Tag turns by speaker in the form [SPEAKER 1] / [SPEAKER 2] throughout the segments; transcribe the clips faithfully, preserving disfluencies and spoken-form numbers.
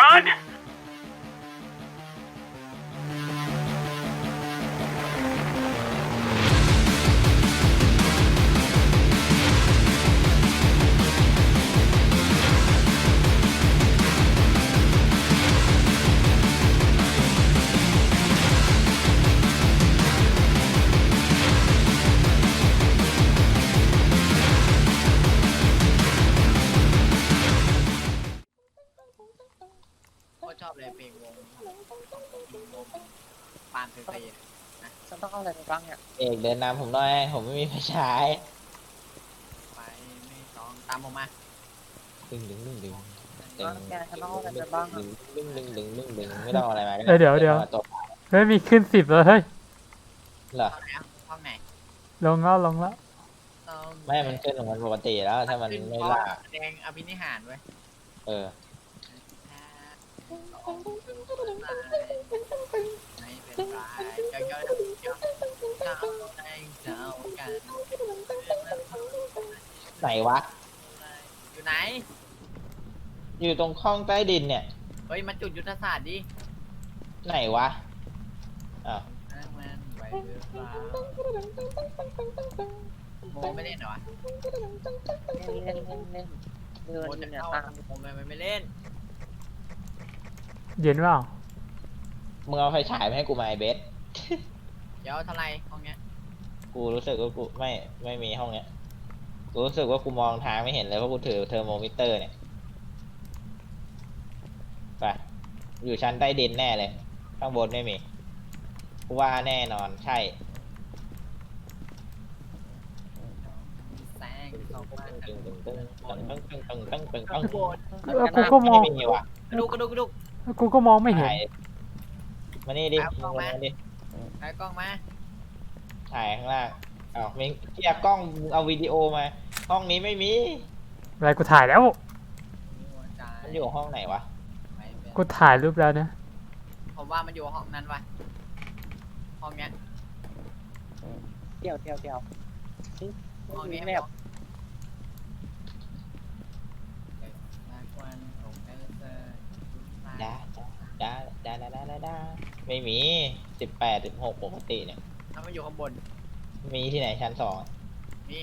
[SPEAKER 1] run
[SPEAKER 2] ชอบเลยเพลงวงวงปานเฟยนะ
[SPEAKER 3] ฉันต้องเอาอะไรไปบ้างเนี่ย
[SPEAKER 4] เอกเดินนำผมหน่อยผมไม่มีไฟฉาย
[SPEAKER 2] ไปไม่ต้องตามผมมา
[SPEAKER 4] ดึงดึงดึงดึง
[SPEAKER 3] แกฉันต้องเอาอะไรไปบ้าง
[SPEAKER 4] ดึ
[SPEAKER 3] อ่ะ
[SPEAKER 4] งดึงดึงดึงดึงดึงไม่ต้องอะไรมา
[SPEAKER 1] เออเดี๋ยวเดี๋ยว
[SPEAKER 4] ตัว
[SPEAKER 1] เฮ้ยมีขึ้นสิบแล้วเฮ้ย
[SPEAKER 4] เหรอ
[SPEAKER 2] ห้องไหนห้องไหน
[SPEAKER 1] ลงแล้วลงแล้ว
[SPEAKER 4] ไม่มันขึ้นของมันปกติแล้วถ้ามันไม่ล่า
[SPEAKER 2] แสดงอภินิหารไว้
[SPEAKER 4] เออ
[SPEAKER 2] ไม่เป็นไรเจ้าเจ้าเจ้าเจ้าได้เจ้ากัน
[SPEAKER 4] ไหนวะ
[SPEAKER 2] อยู่ไหน
[SPEAKER 4] อยู่ตรงห้องใต้ดินเนี่ย
[SPEAKER 2] เฮ้ยมาจุดยุทธศาสตร์ดิ
[SPEAKER 4] ไหนวะอ้าว
[SPEAKER 2] มันไปหรือเปล่าโมไม่เล่นเหรอวะ
[SPEAKER 3] เล่นเล่นเล่นเดิน
[SPEAKER 2] โม
[SPEAKER 3] อยู่
[SPEAKER 2] จะ
[SPEAKER 3] เนี่ย
[SPEAKER 2] เข้า
[SPEAKER 3] ตาม
[SPEAKER 2] โมไม่ไม่เล่น
[SPEAKER 1] เย็นเปล่า
[SPEAKER 4] มึงเอาไฟฉายมาให้กูมาไอเบส
[SPEAKER 2] เดี๋ยวเท่าไรห้องเนี้ย
[SPEAKER 4] กูรู้สึกว่ากูไม่ไม่มีห้องเนี้ยกูรู้สึกว่ากูมองทางไม่เห็นเลยเพราะกูถือเทอร์โมมิเตอร์เนี่ยไปอยู่ชั้นใต้ดินแน่เลยข้างบนไม่มีกูว่าแน่นอนใช่
[SPEAKER 2] แซงเข้ามา
[SPEAKER 4] ตึงตึงตึงตึงตึงตึงตึงตึงตึง
[SPEAKER 2] ข้างบน
[SPEAKER 1] แล้วกูก็มอง
[SPEAKER 4] ไม่มีว่ะ
[SPEAKER 2] กระดูกกระดูกกระดูก
[SPEAKER 1] แล้วกูก็มองไม่เห็น
[SPEAKER 4] ถ่ายมานี่ดิ
[SPEAKER 2] เอากล้องมา
[SPEAKER 4] มาดิ
[SPEAKER 2] ถ่ายกล้องมา
[SPEAKER 4] ถ่ายข้างล่างอ้าวมิงเกียร์กล้องมึงเอาวิดีโอมา ห้องนี้ไม่มี
[SPEAKER 1] อะไรกูถ่ายแล้ว
[SPEAKER 4] มันอยู่ห้องไหนวะ
[SPEAKER 1] กูถ่ายรูปแล้วนะ
[SPEAKER 2] ผมว่ามันอยู่ห้องนั้นวะห้องเนี้ย
[SPEAKER 3] เดี๋ยวเดี๋ยวเดี๋ยว
[SPEAKER 2] ห้องนี้
[SPEAKER 3] แมพ
[SPEAKER 4] ดาดาดาดาดาดาดาไม่มีสิบแปดสิบหกปกติเนี่ย
[SPEAKER 2] ถ้ามันอยู่ข้างบน
[SPEAKER 4] มีที่ไหนชั้นสอง
[SPEAKER 2] นี่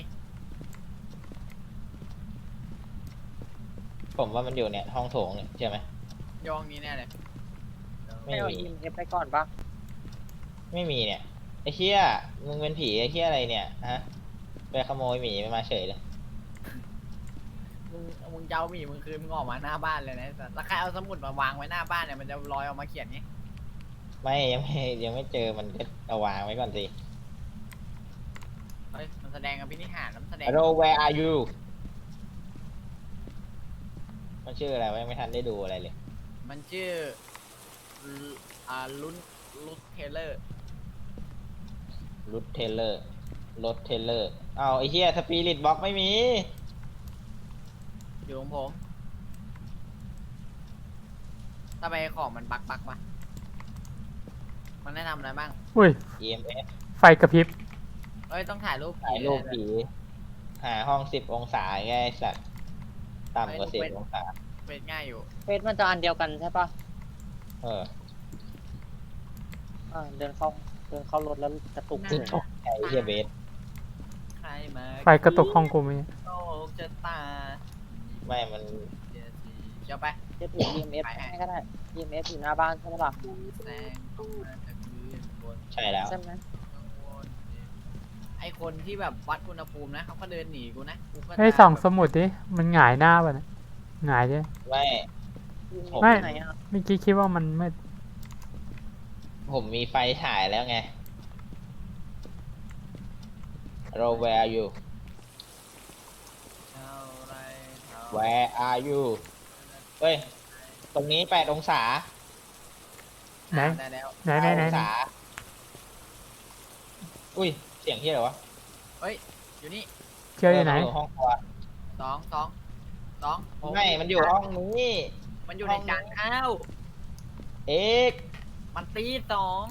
[SPEAKER 4] ผมว่ามันอยู่เนี่ยห้องโถงเนี่ยใช่ไหม
[SPEAKER 2] โยงนี้แน่เลย
[SPEAKER 4] ไม่
[SPEAKER 3] ไม่เอา
[SPEAKER 4] มี
[SPEAKER 3] อีเอฟไปก่อนปะ
[SPEAKER 4] ไม่มีเนี่ยไอ้เหี้ยมึงเป็นผีไอ้เหี้ยอะไรเนี่ยฮะไปขโมยหมีมาเฉยเลย
[SPEAKER 2] มึงมึงเจ้าหมีมึงคืนมึงออกมาหน้าบ้านเลยนะแต่แล้วใครเอาสมุดมาวางไว้หน้าบ้านเนี่ยมันจะลอยออกมาเขียนนี้
[SPEAKER 4] ไม่ยังไม่ยังไม่เจอมันก็เอาวางไว้ก่อนสิ
[SPEAKER 2] เฮ้ยมันแสดงอภินิหารมันแสดง
[SPEAKER 4] Hello where are you มันชื่ออะไรวะยังไม่ทันได้ดูอะไรเลย
[SPEAKER 2] มันชื่ออ่าลุนลุนเทเลอร์
[SPEAKER 4] รุดเทเลอร์รถเทเลอร์อ้าวไอ้เหี้ยสปิริตบ็อกไม่มี
[SPEAKER 2] อยู่ของผมทำไมของมันบักบักวะมันได้ทำอะไรบ้าง
[SPEAKER 1] อุ้ย
[SPEAKER 4] อี เอ็ม เอส
[SPEAKER 1] ไฟกระพริบ
[SPEAKER 2] เอ้ยต้องถ่ายรูป
[SPEAKER 4] ถ่ายรูปผีหาห้องสิบองศาไงไอ้สัตว์ต่ำกว่าสิบองศา
[SPEAKER 2] เป็นง่ายอยู่
[SPEAKER 3] เฟสมันจะอันเดียวกันใช่ปะ
[SPEAKER 4] เออ
[SPEAKER 3] อ่าเดินเข้าเดินเข้ารถแล้วกระตุกเลย
[SPEAKER 4] ไอ้เหี้ยเบส
[SPEAKER 2] ใครมา
[SPEAKER 1] ไฟกระตุกห้องกูมี
[SPEAKER 2] โลกจะตา
[SPEAKER 4] ไม่มัน
[SPEAKER 2] เดี๋ยวสิเดี๋ยวไป
[SPEAKER 3] จะถือ อี เอ็ม เอฟ
[SPEAKER 2] ไปให้
[SPEAKER 3] ให้ก็ได้ อี เอ็ม เอฟ อยู่หน้าบ้านใช่ไหมล่ะ
[SPEAKER 2] แสงออกมาจากพื้นบน
[SPEAKER 4] ใช่แล้ว
[SPEAKER 3] ใช่ไหม
[SPEAKER 2] ข้างบนไอคนที่แบบวัดอุณหภูมินะเขาก็เดินหนีกูนะกูก็
[SPEAKER 1] เฮ้ยส่องสมุดดิ มันหงายหน้าป่ะเนี่ยหงายดิ
[SPEAKER 4] ไม่
[SPEAKER 1] ไม่
[SPEAKER 3] ไหนอ่ะ
[SPEAKER 1] เมื่อกี้คิดว่ามันมืด
[SPEAKER 4] ผมมีไฟฉายแล้วไง Hello where are you
[SPEAKER 2] เท่าไรเท่า
[SPEAKER 4] Where are you เฮ้ย ตรงนี้แปดองศา
[SPEAKER 1] ไหน
[SPEAKER 2] ได้แล้ว
[SPEAKER 1] ไหนไหนไหน
[SPEAKER 4] องศาอุ้ย เสียงที่อะไรวะ
[SPEAKER 2] อยู่นี่
[SPEAKER 1] เที่ยวอยู่ไหน
[SPEAKER 4] เห้องครัว
[SPEAKER 2] สองสองสองผม
[SPEAKER 4] ไม่ มันอยู่ห้องนี้
[SPEAKER 2] มันอยู่ในจานข้าว
[SPEAKER 4] เอก
[SPEAKER 2] มันตีดสอง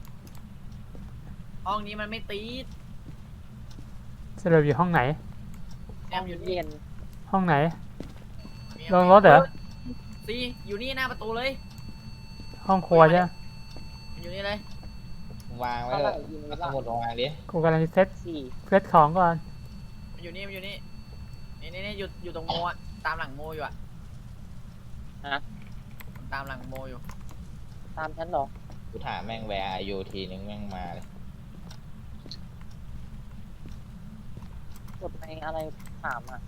[SPEAKER 2] ห้องนี้มันไม่ตีด
[SPEAKER 1] สรุปอยู่ห้องไหน
[SPEAKER 2] แอมอยู่นี่
[SPEAKER 3] เย็น
[SPEAKER 1] ห้องไหน
[SPEAKER 2] มี
[SPEAKER 1] ลงรถเหรอ
[SPEAKER 2] สซีอยู่นี่หน้าประตูเลย
[SPEAKER 1] ห้องครัวใช่ไหม
[SPEAKER 2] มันอยู่นี่เลย
[SPEAKER 4] มึงวางไว้
[SPEAKER 3] เท่า
[SPEAKER 4] เล
[SPEAKER 3] ไหร่
[SPEAKER 4] ย
[SPEAKER 3] ยิง
[SPEAKER 4] เอา
[SPEAKER 3] ไว้
[SPEAKER 4] ส
[SPEAKER 3] บ้าง
[SPEAKER 4] มุดมาวางดิ
[SPEAKER 1] กูกำลังเซต
[SPEAKER 3] สี่
[SPEAKER 1] เซตของก่อน
[SPEAKER 2] มันอยู่นี่มันอยู่นี่นี่นี่นี่อยู่อยู่ตรงโมอะตามหลังโมอยู่อะ
[SPEAKER 3] ฮะ
[SPEAKER 2] มันตามหลังโมอยู่
[SPEAKER 3] ตามฉันเหรอ
[SPEAKER 4] กูถามแม่งแวร์อายุทีนึงแม่งมาเลย
[SPEAKER 3] กดในอะไรถามอ่ะ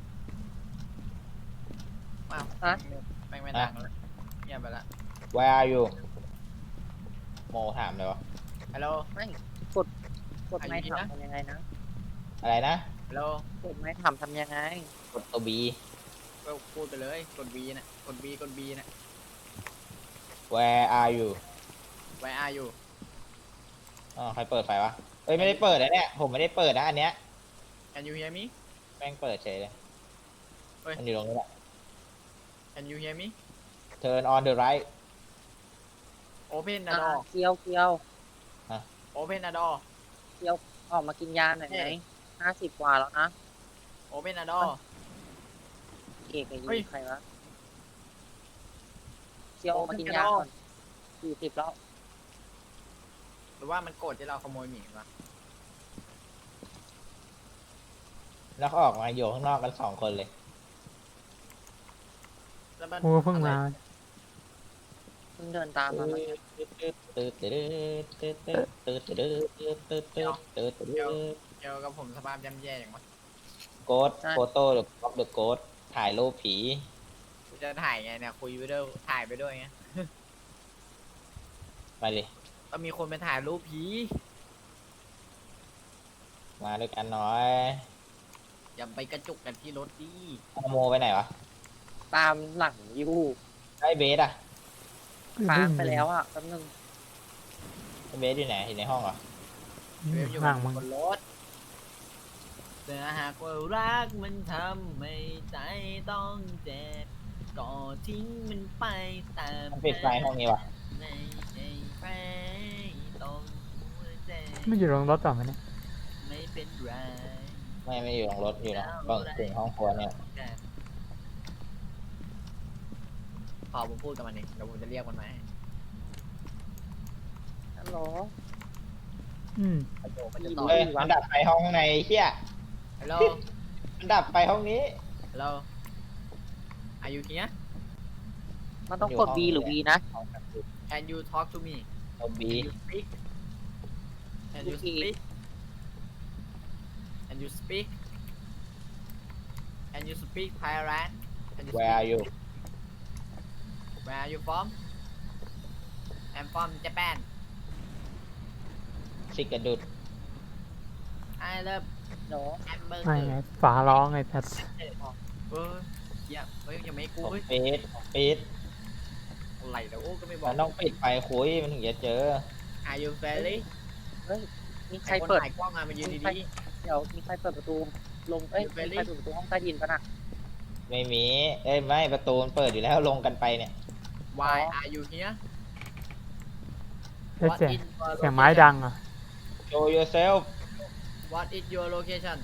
[SPEAKER 2] อ้าว
[SPEAKER 3] ฮะ
[SPEAKER 2] แม่งไม่ดังแล้วเงียบไปละ
[SPEAKER 4] แวร์อายุโมถามเลยวะ
[SPEAKER 2] ฮัลโหล
[SPEAKER 3] ไม่กดกดไม่
[SPEAKER 2] อายุนี่นะ
[SPEAKER 3] ถามทำยังไงนะ
[SPEAKER 4] อะไรนะ
[SPEAKER 2] ฮัลโหล
[SPEAKER 3] กดไม่ถามทำยังไง
[SPEAKER 4] กดตัวบี
[SPEAKER 2] ก็พูดไปเลยกด B น่ะกด B กด B น่ะ
[SPEAKER 4] แวร์อายุ
[SPEAKER 2] Where are you
[SPEAKER 4] อ๋อใครเปิดไฟวะเอ้ยไม่ได้เปิดนะเนี่ยผมไม่ได้เปิดนะอันเนี้ย
[SPEAKER 2] Can you hear me
[SPEAKER 4] แม่งเปิดเฉยเลย
[SPEAKER 2] เฮ้ย
[SPEAKER 4] มันอยู่ตรงนี้แหละ
[SPEAKER 2] Can you hear me
[SPEAKER 4] turn on the light
[SPEAKER 2] Open the
[SPEAKER 3] อ่า
[SPEAKER 2] door
[SPEAKER 3] เคียวเคียว
[SPEAKER 2] Open the door
[SPEAKER 3] ออกมากินยาหน่อยไหม
[SPEAKER 2] เฮ้ย
[SPEAKER 3] ห้าสิบกว่าแล้วนะ
[SPEAKER 2] Open the door
[SPEAKER 3] เอกกับ
[SPEAKER 2] เฮ้ย
[SPEAKER 3] ยูใครวะเคียวออกมากินยาก่อนสี่สิบแล้ว
[SPEAKER 2] หรือว่ามันโกรธที่เราขโมยหมีวะ
[SPEAKER 4] แล้วก็ออกมาอยู่ข้างนอกกันสองคนเลย
[SPEAKER 2] แล้วมัน
[SPEAKER 1] กูเพิ่งมา
[SPEAKER 3] เพิ่งเดินตามมาเมื่อกี้
[SPEAKER 4] ตืดตืดตืดตืดตืดตืดตืดตืดตืดตืดตืด
[SPEAKER 2] เกี่ยวกับผมสภาพย่ำแย่อย่างวะ
[SPEAKER 4] โกดโฟโต้หรือก๊อปเดอะโกดถ่ายรูปผี
[SPEAKER 2] กูจะถ่ายไงเนี่ยคุยไปด้วยถ่ายไปด้วยไง
[SPEAKER 4] ไปเลย
[SPEAKER 2] ก็มีคนไปถ่ายรูปผี
[SPEAKER 4] มาด้วยกันหน่อย
[SPEAKER 2] อย่าไปกระจุกกันที่รถดิ
[SPEAKER 4] เอาโมไปไหนวะ
[SPEAKER 3] ตามหลังยู
[SPEAKER 4] ไอ้เบสอะ
[SPEAKER 3] ค้างไปแล้วอ่ะแป๊บนึง
[SPEAKER 4] ไอ้เบสอยู่ไหนอยู่ในห้องเหรอ
[SPEAKER 2] เวฟอยู่
[SPEAKER 1] ห่างมึง
[SPEAKER 2] บนรถแต่หากว่ารักมันทำให้ใจต้องเจ็บก็ทิ้งมันไปตาม
[SPEAKER 4] มันปิดไฟห้องนี้วะ
[SPEAKER 2] ในใจไปต้องหัวใจ
[SPEAKER 1] ไม่อยู่โรงรถต่อมาเนี่ย
[SPEAKER 2] ไม่เป็นไร
[SPEAKER 4] ไม่ไม่อยู่ในรถอยู่นะต้องถึงห้องครัวเนี่ย
[SPEAKER 2] พอผมพูดกับมันเองเดี๋ยวผมจะเรียกมันมาให้
[SPEAKER 3] ฮัลโหล
[SPEAKER 1] อืม
[SPEAKER 2] มันจะมันจะตอบ
[SPEAKER 4] เอ้ยมันดับไฟห้องในเฮีย
[SPEAKER 2] ฮัลโหล
[SPEAKER 4] มันดับไฟห้องนี้
[SPEAKER 2] ฮัลโหล Are you here
[SPEAKER 3] มันต้องกด B หรือ V นะ
[SPEAKER 4] ห้องกระจก
[SPEAKER 2] Can you talk to me
[SPEAKER 4] ตัวบี
[SPEAKER 2] Can you speak Can you
[SPEAKER 3] Okay.
[SPEAKER 2] speak Can you speak Can you speak Thailand Can you
[SPEAKER 4] Where are
[SPEAKER 2] speak
[SPEAKER 4] you
[SPEAKER 2] Where are you from I'm from Japan
[SPEAKER 4] สิกระดุด
[SPEAKER 2] I love
[SPEAKER 3] โหล
[SPEAKER 2] hamburger
[SPEAKER 1] ไม่ไงฝาร้องไงแต่
[SPEAKER 2] เออเหี้ยเฮ้ยยังไม่กู
[SPEAKER 4] ผม
[SPEAKER 2] เฮ้ย
[SPEAKER 4] ปิดผมปิด
[SPEAKER 2] อะไรแล้วโอ้ก็ไม่บอ
[SPEAKER 4] มั
[SPEAKER 2] ก
[SPEAKER 4] นต้องปิดไฟคุยมันถึงจะเจอ
[SPEAKER 2] Are you friendly
[SPEAKER 3] มีใค
[SPEAKER 2] ใค
[SPEAKER 3] ร
[SPEAKER 2] ร
[SPEAKER 3] เปิด
[SPEAKER 2] ถ่ายกล้องมามายืนดี
[SPEAKER 3] เดี๋ยวมีใครเปิดประตูลงเอ้ย
[SPEAKER 2] อยู่
[SPEAKER 3] มี
[SPEAKER 2] ไป
[SPEAKER 3] ใค
[SPEAKER 2] ดิ
[SPEAKER 3] รเปิดประตูห้องใต้ดินปะน่ะ
[SPEAKER 4] ไม่มี เอ้ยไม่ประตูมันเปิดอยู่แล้วลงกันไปเนี่ย
[SPEAKER 2] ๆ Why are you here
[SPEAKER 1] แล้ว
[SPEAKER 2] What
[SPEAKER 1] เสียง
[SPEAKER 2] is your
[SPEAKER 1] เสียงไม้
[SPEAKER 2] location?
[SPEAKER 1] ดังอ่ะ
[SPEAKER 4] show yourself
[SPEAKER 2] What is your location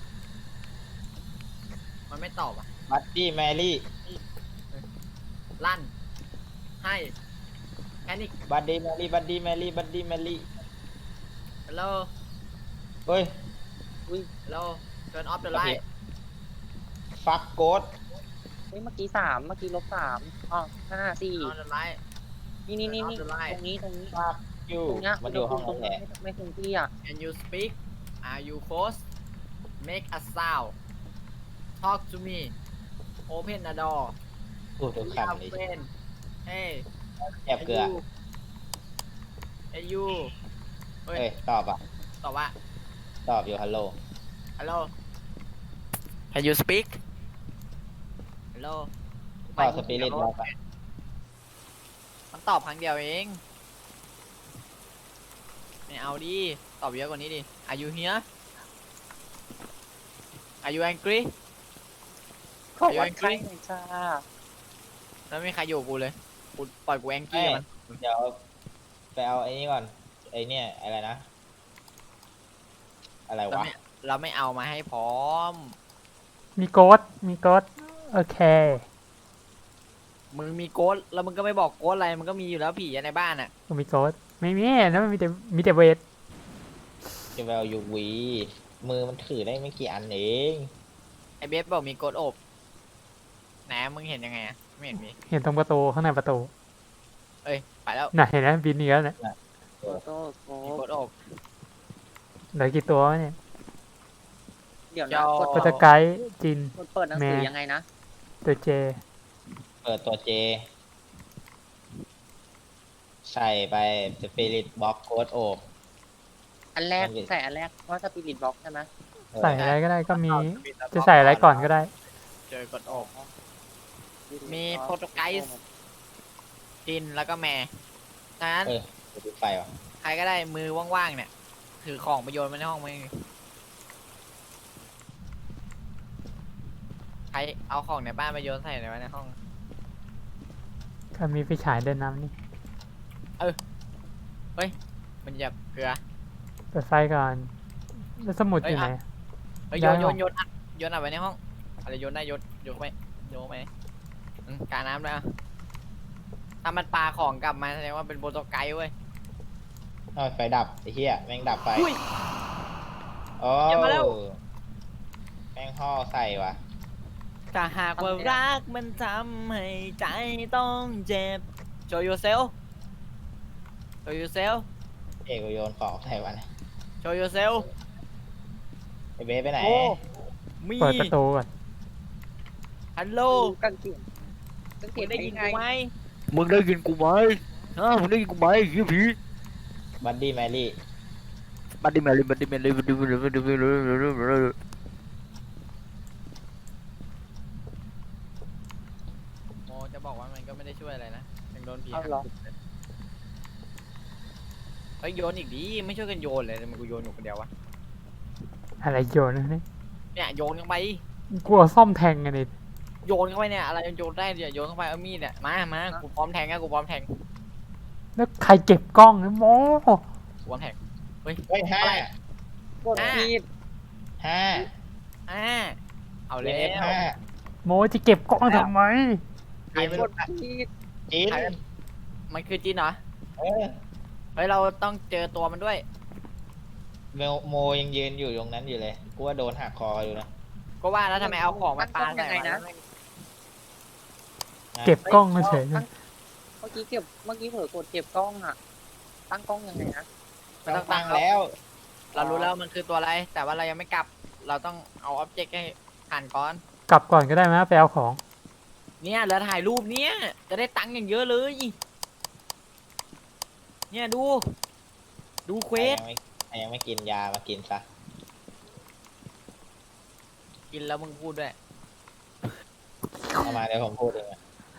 [SPEAKER 2] มันไม่ตอบอ่ะ
[SPEAKER 4] buddy Mary
[SPEAKER 2] ลั่น ให้แพนิค
[SPEAKER 4] buddy Mary buddy Mary buddy Mary
[SPEAKER 2] ฮัลโหล
[SPEAKER 4] เฮ้ย
[SPEAKER 2] ฮัลโหล turn off the
[SPEAKER 4] โอเค
[SPEAKER 2] light
[SPEAKER 4] fuck ghost
[SPEAKER 3] เฮ้ยเมื่อกี้สามเมื่อกี้ลบสามอ๋อห้าสี่
[SPEAKER 2] turn on the light
[SPEAKER 3] นี่นี่นี่นี่
[SPEAKER 2] Turn off the light
[SPEAKER 3] ตรงนี้ตรงนี้
[SPEAKER 4] fuck you
[SPEAKER 3] ตรงเนี้ย
[SPEAKER 4] มันอยู่ห้อง
[SPEAKER 3] ตร
[SPEAKER 4] นั้
[SPEAKER 3] ง
[SPEAKER 4] นแห
[SPEAKER 3] นี้
[SPEAKER 4] ละ
[SPEAKER 3] ไม่คงที่อ่ะ
[SPEAKER 2] Can you speak Are you close Make a sound Talk to me Open the door
[SPEAKER 4] พูดทุก
[SPEAKER 2] We
[SPEAKER 4] คำ
[SPEAKER 2] are
[SPEAKER 4] เลย
[SPEAKER 2] friends Hey
[SPEAKER 4] แอบเกลือ
[SPEAKER 2] Hey you เฮ้ย
[SPEAKER 4] เฮ้ย ตอบอ่ะ
[SPEAKER 2] ตอบว่า
[SPEAKER 4] ตอบอยู่ฮัลโหล
[SPEAKER 2] Hello Can you speak Hello
[SPEAKER 4] ตอบสปิริตบอกอ่ะ
[SPEAKER 2] มันตอบครั้งเดียวเอง ไม่เอาดิ ตอบเยอะกว่านี้ดิ Are you here Are you angry
[SPEAKER 3] ขอ
[SPEAKER 2] อยู่
[SPEAKER 3] วั
[SPEAKER 2] อั
[SPEAKER 3] น
[SPEAKER 2] งก
[SPEAKER 3] ใกล้
[SPEAKER 2] ฤษ
[SPEAKER 3] หน่อยจ้า
[SPEAKER 2] แล้วไม่มีใครอยู่กูเลย กูปล่อยกูแองกี้มัน
[SPEAKER 4] เดี๋ยวไปเอาไอ้นี่ก่อน ไอ้เนี่ยอะไรนะ อะไร
[SPEAKER 2] เรา
[SPEAKER 4] วะ
[SPEAKER 2] ไม่เราไม่เอามาให้พร้อม
[SPEAKER 1] มีโกดมีโกดโอเค
[SPEAKER 2] มึงมีโกดแล้วมึงก็ไม่บอกโกดอะไรมันก็มีอยู่แล้วผีอะในบ้านอ่ะ
[SPEAKER 1] ก็มีโกดไม่มีนะมันมีแต่มีแต่เวท
[SPEAKER 4] จะไปเอายูวีมือมันถือได้ไม่กี่อันเอง
[SPEAKER 2] ไอเบสบอกมีโกดอบไหนมึงเห็นยังไงอะไม่เห็นมี
[SPEAKER 1] เห็นตรงประตูข้างในประตู
[SPEAKER 2] เอ้ยไปแล้ว
[SPEAKER 1] น่ะเห็นไหมบินเนี้ยเนี่ย
[SPEAKER 3] โอ้โหโอ้
[SPEAKER 2] มี
[SPEAKER 3] โห
[SPEAKER 2] โกดอบ
[SPEAKER 1] เหลือกี่ตัววะเนี่ย
[SPEAKER 3] เดี๋ยวนะ
[SPEAKER 2] เจ้า
[SPEAKER 3] กด
[SPEAKER 1] โปรตไกด์จิน
[SPEAKER 3] กดเปิดหนังสือ
[SPEAKER 1] แม่
[SPEAKER 3] ยังไงนะ
[SPEAKER 1] ตัวเจ
[SPEAKER 4] เปิดตัวเจ ใส่ไปสปิริตบ็อกโค้ดโอบ
[SPEAKER 3] อันแรก
[SPEAKER 4] มันเป็น
[SPEAKER 3] ใส่อันแรกว่าสปิริตบ็อกใช่ไหม
[SPEAKER 1] ใส่อะไรก็ได้ก็มี จะใส่อะไรก่อนก็ได้
[SPEAKER 2] เจอกดอบ มีโปรโตไกส์ จินแล้วก็แม่ฉะนั้น
[SPEAKER 4] เออดูไฟวะ
[SPEAKER 2] ใครก็ได้มือว่างๆเนี่ยถือของไปโยนมาในห้องมึงใครเอาของในบ้านไปโยนใส่ในไว้ในห้อง
[SPEAKER 1] ก็มีไฟฉายเดินน้ำนี่
[SPEAKER 2] มันจะเกลือ
[SPEAKER 1] เปิดไฟก่อนแล้วสมุดอยู่ไหน
[SPEAKER 2] เฮ้ย
[SPEAKER 1] ย้
[SPEAKER 2] โย
[SPEAKER 1] าย
[SPEAKER 2] น
[SPEAKER 1] ห้
[SPEAKER 2] โย
[SPEAKER 1] อง
[SPEAKER 2] นโยนอัดโยนอัดไว้ในห้องอะไรโยนได้โยนโยนเข้าไปโยนเข้าไปอืมกาน้ำด้วยอ่ะถ้ามันปาของกลับมาแสดงว่าเป็นโปรโตไกด์เว้ย
[SPEAKER 4] เอาไฟดับไอ้เหี้ยแม่งดับไฟ
[SPEAKER 2] อุ้ย
[SPEAKER 4] โอ้
[SPEAKER 2] อย่ามาแล้ว
[SPEAKER 4] แม่งห่อใส่วะ
[SPEAKER 2] ถ้าหากว่ารักมันทำให้ใจต้องเจ็บ show yourself show yourself
[SPEAKER 4] เอกกูโยนของใส่วันย
[SPEAKER 2] show yourself
[SPEAKER 4] ไอ้เบสไปไหน
[SPEAKER 2] โอ้มี
[SPEAKER 1] เปิดประตูก่อน
[SPEAKER 2] ฮัลโหล
[SPEAKER 3] กางเกงกางเก
[SPEAKER 2] มึ
[SPEAKER 3] ง
[SPEAKER 2] งได้ยิน
[SPEAKER 3] ไง
[SPEAKER 2] กูไหม
[SPEAKER 5] มึงได้ยินกูไหมฮะมึงได้ยินกูไหมเฮียผี
[SPEAKER 4] บัดดี้แมรี่
[SPEAKER 5] บัดดี้แมรี่บัดดี้แมรี่บัดดี้แมรี่บัดดี้แมรี่
[SPEAKER 2] โมจะบอกว่ามันก็ไม่ได้ช่วยอะไรนะยังโดนผี
[SPEAKER 3] เอาเหรอ
[SPEAKER 2] เฮ้ยโยนอีกดิไม่ช่วยกันโยนเลยทำไมันกูโยนอยู่คนเดียววะ
[SPEAKER 1] อะไรโยนนะเนี่ย
[SPEAKER 2] เนี่ยโยนเข้าไป
[SPEAKER 1] กลัวซ่อมแทงกันนี่
[SPEAKER 2] โยนเข้าไปเนี่ยอะไรโยนได้เดี๋ยวโยนเข้าไปเอามีดเนี่ยมามากูพร้อมแทงนะกูพร้อมแทง
[SPEAKER 1] แล้วใครเก็บกล้องนะโม
[SPEAKER 2] กูพร้อมแทง
[SPEAKER 4] เฮ้ยห้า
[SPEAKER 2] อะไร
[SPEAKER 3] กดผิด
[SPEAKER 4] ห้า
[SPEAKER 2] อ่าเอา
[SPEAKER 4] เล
[SPEAKER 2] แล้
[SPEAKER 4] ฟ
[SPEAKER 2] ว
[SPEAKER 4] ห้า
[SPEAKER 1] โมจะเก็บกล้องทำไม
[SPEAKER 2] ใครไม่
[SPEAKER 3] ก
[SPEAKER 2] รู้
[SPEAKER 3] ดผิด
[SPEAKER 4] จิน
[SPEAKER 2] มันคือจีนเหรอ
[SPEAKER 4] เออ
[SPEAKER 2] เฮ้ยเราต้องเจอตัวมันด้วย
[SPEAKER 4] โมโมยังยืนอยู่ตรงนั้นอยู่เลยกูว่าโดนหักคออยู่นะ
[SPEAKER 2] ก็ว่าแล้วทำไมเอาของมาปาใส่มัน
[SPEAKER 4] นะ
[SPEAKER 1] เก็บกล้องเฉย
[SPEAKER 3] ตั้งเมื่อกี้เก็บเมื่อกี้เผลอกดเก็บกล้องอ่ะ ตั้งกล้องยังไงนะ
[SPEAKER 2] มันต้อง
[SPEAKER 4] ตั้
[SPEAKER 2] ตั้
[SPEAKER 4] ง
[SPEAKER 2] งแล้ว
[SPEAKER 4] แล้ว
[SPEAKER 2] เรารู้แล้วมันคือตัวอะไร แต่ว่าเรายังไม่กลับ เราต้องเอาอ็อบเจกต์ให้ผ่านก่อน
[SPEAKER 1] กลับก่อนก็ได้ไหมไปเอาของ
[SPEAKER 2] เนี่ยเหลือถ่ายรูปเนี้ยจะได้ตังค์อย่างเยอะเลย เนี่ยดู ดูเควส
[SPEAKER 4] ยังไม่ยังไม่กินยามากินซะ
[SPEAKER 2] กินแล้วมึงพูดด้วย
[SPEAKER 4] เอามาเดี๋ยวผมพูดเองอะ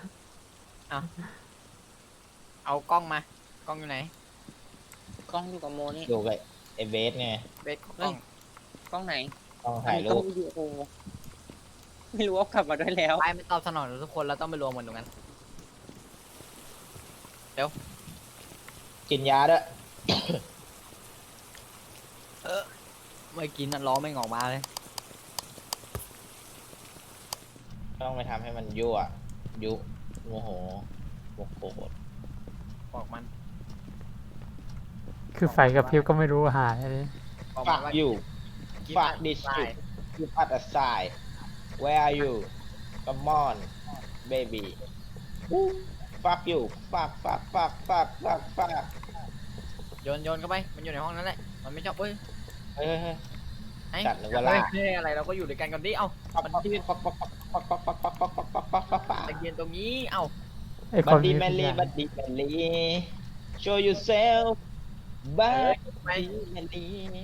[SPEAKER 2] เอากล้องมา กล้องอยู่ไหน
[SPEAKER 3] กล้องอยู่กับโมนี่
[SPEAKER 4] ดูไปไอ้เบสไง
[SPEAKER 2] เบสกล้อง
[SPEAKER 3] กล้องไหน
[SPEAKER 4] ต้องถ่าย
[SPEAKER 3] ก
[SPEAKER 4] รู
[SPEAKER 3] ล้อ
[SPEAKER 4] ป
[SPEAKER 3] งวิดีโอไม่รู้ว่ากลับมาด้วยแล้ว
[SPEAKER 2] ไปไม่ตอบสนองทุกคนเราต้องไปรวมกันตรงนั้น
[SPEAKER 4] กินยาด้วย
[SPEAKER 2] ไม่กินนั่นล้อไม่งออกมาเลย
[SPEAKER 4] ต้องไปทำให้มันยั่วยุโมโหโมโห
[SPEAKER 2] บอกมัน
[SPEAKER 1] คือไฟกับพริบก็ไม่รู้หายอะไร
[SPEAKER 2] บอก
[SPEAKER 4] ฟั
[SPEAKER 2] มัน
[SPEAKER 4] ก
[SPEAKER 2] ว่า
[SPEAKER 4] ยู
[SPEAKER 2] กิน
[SPEAKER 4] fuck
[SPEAKER 2] อัน
[SPEAKER 4] this
[SPEAKER 2] ตาย
[SPEAKER 4] shit give us a sign where are you come on baby fuck you fuck fuck fuck fuck fuck fuck
[SPEAKER 2] โยนโยนเข้าไป มันอยู่ในห้องนั้นแหละ มันไม่ชอบเอ้ย
[SPEAKER 4] เฮ้ยเฮ้ย
[SPEAKER 2] ไอ้
[SPEAKER 4] จัดนึกว่าลาก
[SPEAKER 2] เฮ้ยอะไรเราก็อยู่ด้วยกันก่อนดิ เอ้า มันยืน
[SPEAKER 4] ปักปักปักปักปักปักปักปักปักปักปักปักปัก
[SPEAKER 2] ตะเกียนตรงนี้ เอ้า
[SPEAKER 1] ไอ้ค
[SPEAKER 4] บัด
[SPEAKER 1] น
[SPEAKER 4] ดี้
[SPEAKER 1] นี้
[SPEAKER 4] แม
[SPEAKER 1] ทุกอ
[SPEAKER 4] ลี่
[SPEAKER 1] ย่าง
[SPEAKER 4] บัดดี้แมลี่ show yourself บัด
[SPEAKER 2] ไป
[SPEAKER 4] ดี้แมลี่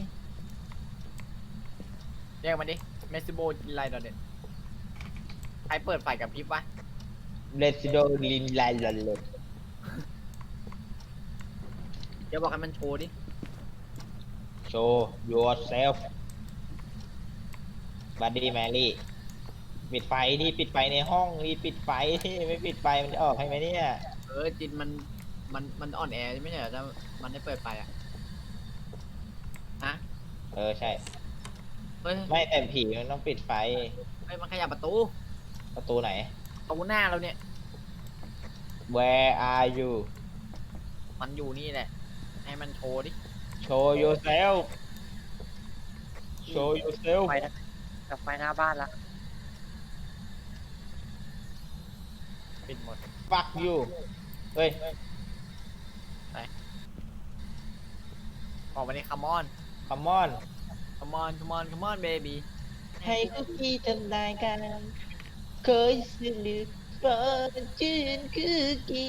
[SPEAKER 2] เรียกมันดิ เมสซิโบไลดอเด็ดใครเปิดไฟกับพริบวะ
[SPEAKER 4] let's go ลินไลลอนเลย
[SPEAKER 2] เดี๋ยวบอกให้มันโชว์ดิ
[SPEAKER 4] show yourself บัดดี้แมรี่ปิดไฟที่ปิดไฟในห้องนี่ปิดไฟที่ไม่ปิดไฟมันจะออกให้ไหมเนี่ย
[SPEAKER 2] เออจินมัน มัน มันอ่อนแอไม่ใช่เหรอถ้ามันได้เปิดไฟอ่ะฮะ
[SPEAKER 4] เออใช่
[SPEAKER 2] เฮ้ย
[SPEAKER 4] ไม่แต่ผีมันต้องปิดไฟ
[SPEAKER 2] เฮ้ยมันขยับประตู
[SPEAKER 4] ประตูไหน
[SPEAKER 2] ประตูหน้าเราเนี่ย
[SPEAKER 4] Where are you
[SPEAKER 2] มันอยู่นี่แหละ ให้มันโชว์ดิ
[SPEAKER 4] Show yourself Show yourself
[SPEAKER 3] ไฟนะกับไฟหน้าบ้านละ
[SPEAKER 2] ปิดหมด
[SPEAKER 4] Fuck you เฮ้ย
[SPEAKER 2] ออกมาดิ come on
[SPEAKER 4] Come on
[SPEAKER 2] come on come on come on baby
[SPEAKER 4] ให้คุกกี้ทำนายกันเคยสนึกเปิดชื่นคุกกี้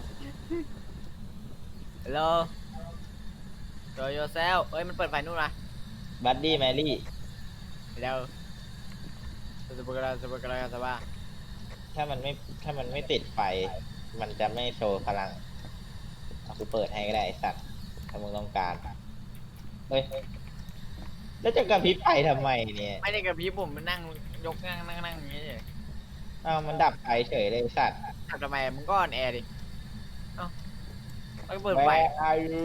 [SPEAKER 2] hello show yourself เอ้ย มันเปิดไฟนู่นนะ
[SPEAKER 4] บัดดี้แมรี่
[SPEAKER 2] เร็วสบายสบายสบายสบาย
[SPEAKER 4] ถ้ามันไม่ถ้ามันไม่ติดไฟ มันจะไม่โชว์พลังเอากูเปิดให้ก็ได้ไอ้สัตว์ถ้ามึงต้องการเฮ้ยแล้วจะกระพริบไฟทำไมเนี่ย
[SPEAKER 2] ไม่ได้กับพี่ผมมันนั่งยกนั่งนั่งนั่งอย่างนี้เลย
[SPEAKER 4] อ้าวมันดับไฟเฉยเลยไอ้สัตว์
[SPEAKER 2] ทำทำไมมึงก็ออนแอร์ดิ เอ้าแล้วก็เปิดไฟ
[SPEAKER 4] Where are you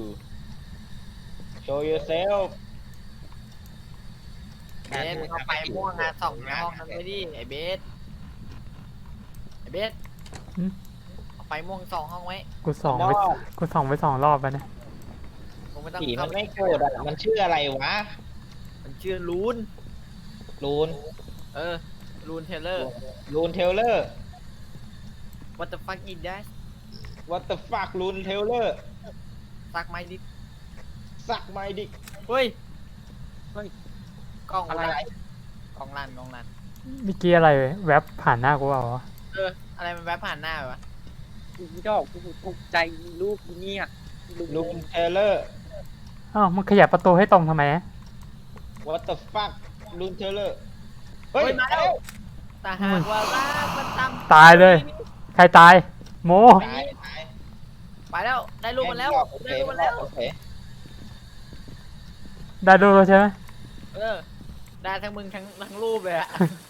[SPEAKER 4] Show yourself
[SPEAKER 2] เบสมึงเอาไฟม่วงอะส่องในห้องนั้นไปดิไอ้เบสไอ้เบส
[SPEAKER 1] หึ
[SPEAKER 2] เอาไฟม่วงส่องห้องไว้
[SPEAKER 1] กูส่องไปกูส่องไปสองรอบแล้วนะ
[SPEAKER 2] มึงไม่ต้อง
[SPEAKER 4] ผี
[SPEAKER 2] เข้า
[SPEAKER 4] มันไม่โกรธอ่ะมันชื่ออะไรวะ
[SPEAKER 2] มันชื่อลูน
[SPEAKER 4] ลูน
[SPEAKER 2] เออ ลูนเทเลอร์
[SPEAKER 4] ลูนเทเลอร์
[SPEAKER 2] what the fuck is that
[SPEAKER 4] What the fuck ลูนเทเลอร์
[SPEAKER 2] ซักไม้ดิ
[SPEAKER 4] สักไม้ดิก
[SPEAKER 2] เฮ้ย
[SPEAKER 3] เฮ้ย
[SPEAKER 2] กล้อง
[SPEAKER 3] อะไร
[SPEAKER 2] ลั่นกล้องลั่นกล้องลั่น
[SPEAKER 1] เมื่อกี้อะไรแวบผ่านหน้ากูเปล่าวะ
[SPEAKER 2] เออ อะไรมันแวบผ่านหน้าไปวะ
[SPEAKER 3] อีดอกกูตกใจรูปนี้อ่ะ
[SPEAKER 4] ลูนเทเลอร์
[SPEAKER 1] อ้าวมันขยับประตูให้ตรงทำไมอะ
[SPEAKER 4] What the fuck ลูนเทเลอร์
[SPEAKER 2] เฮ้ย มาแล้วแต่หากว่ารักมันทำ
[SPEAKER 1] ตายเลย ใครตาย โม
[SPEAKER 4] ตายตาย
[SPEAKER 2] ไปแล้ว ได้รูปมันแล้ว
[SPEAKER 4] โอเค
[SPEAKER 2] ได้รูป
[SPEAKER 4] มั
[SPEAKER 2] มัน นแล้ว
[SPEAKER 4] โอเค
[SPEAKER 1] ได้ดูแล้วใช่ไหม
[SPEAKER 2] เออ ได้ทั้งมึงทั้งทั้งรูปเลยอะ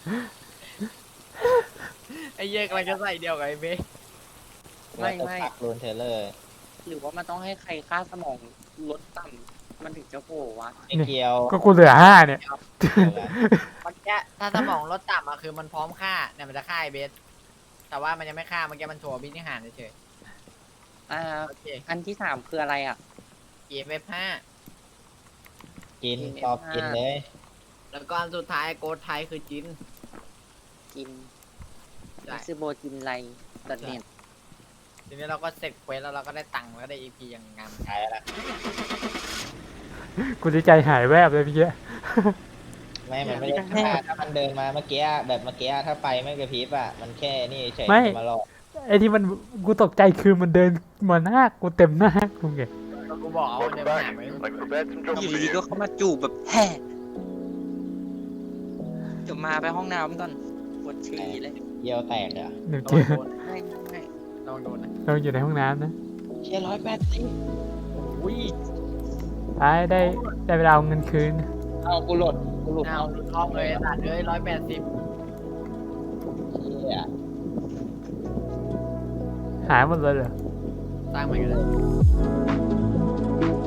[SPEAKER 2] ไอ้เหี้ยกำลังจะใส่เดียวกับไอ้เบส
[SPEAKER 3] ไม่
[SPEAKER 4] What the
[SPEAKER 3] ไม่
[SPEAKER 4] fuck ลูนเทเลอร์
[SPEAKER 3] หรือว่ามันต้องให้ใครค่าสมองลดต่ำมันถึงจะโผล่วะ
[SPEAKER 4] ไม่เกี่ยว
[SPEAKER 1] ก็กูเหลือห้าเนี่ย
[SPEAKER 2] เมื่อกี้ถ้าสมองลดต่ำอะคือมันพร้อมฆ่าเนี่ยมันจะฆ่าไอ้เบส แต่ว่ามันยังไม่ฆ่าเมื่อกี้มันโชว์บินที่หารเฉย
[SPEAKER 3] อ่า
[SPEAKER 2] ๆโอเค
[SPEAKER 3] อันที่สามคืออะไรอ่ะ
[SPEAKER 2] เอฟเอฟห้า
[SPEAKER 4] กินตอบกินเลย
[SPEAKER 2] แล้วก็อันสุดท้ายโกดไทยคือจิน
[SPEAKER 3] กิน
[SPEAKER 2] ใช่
[SPEAKER 3] มิสโบจินไลดอทเน็ต
[SPEAKER 2] ทีนี้เราก็เสร็จเควสแล้วเราก็ได้ตังค์แล้วก็ได้อีพีอย่างงาม
[SPEAKER 4] ตายแล้วล่ะ
[SPEAKER 1] กูดีใจหายแวบเลยเมื่อกี้
[SPEAKER 4] ไม่ มันไม่ได้ฆ่าถ้ามันเดินมาเมื่อกี้แบบเมื่อกี้ถ้าไปไม่กระพริบอ่ะ มันแค่นี่เฉย
[SPEAKER 1] ไม่
[SPEAKER 4] มาหลอก
[SPEAKER 1] ไอ้ที่มันกูตกใจคือมันเดินมาหน้ากูเต็มหน้ากูไง
[SPEAKER 2] แล้วกูบอกเอาเดินมาหามึง
[SPEAKER 5] I prepared some
[SPEAKER 3] อ
[SPEAKER 5] trouble
[SPEAKER 3] ยู่
[SPEAKER 5] for
[SPEAKER 3] ดี
[SPEAKER 5] you.
[SPEAKER 3] ๆก็เข้ามาจูบแบบแฮ่เดี๋ยวมาไปห้องน้ำก่อนปวดฉี่เลย
[SPEAKER 4] เยี่ยวแตกเหรอ
[SPEAKER 1] หนึ่ง
[SPEAKER 2] ล
[SPEAKER 1] เจ
[SPEAKER 2] อง
[SPEAKER 1] อ
[SPEAKER 2] โดน
[SPEAKER 3] ไม่ไม่
[SPEAKER 2] ลองโดนนะ
[SPEAKER 1] เราอยู่ในห้องน้ำนะ
[SPEAKER 4] เชี่ยร้อยแปดสิบ
[SPEAKER 2] อุ้ย
[SPEAKER 1] ตายได้ได้เวลาเอาเงินคืน
[SPEAKER 3] เอากูหลดกูหลุด
[SPEAKER 2] เอา
[SPEAKER 3] เอา
[SPEAKER 2] หลุดห้องเลยตัดเลยร้อยแปดสิบ
[SPEAKER 4] เชี่ย
[SPEAKER 1] หายหมดเลยเหรอ
[SPEAKER 2] สร้างใหม่กันเลย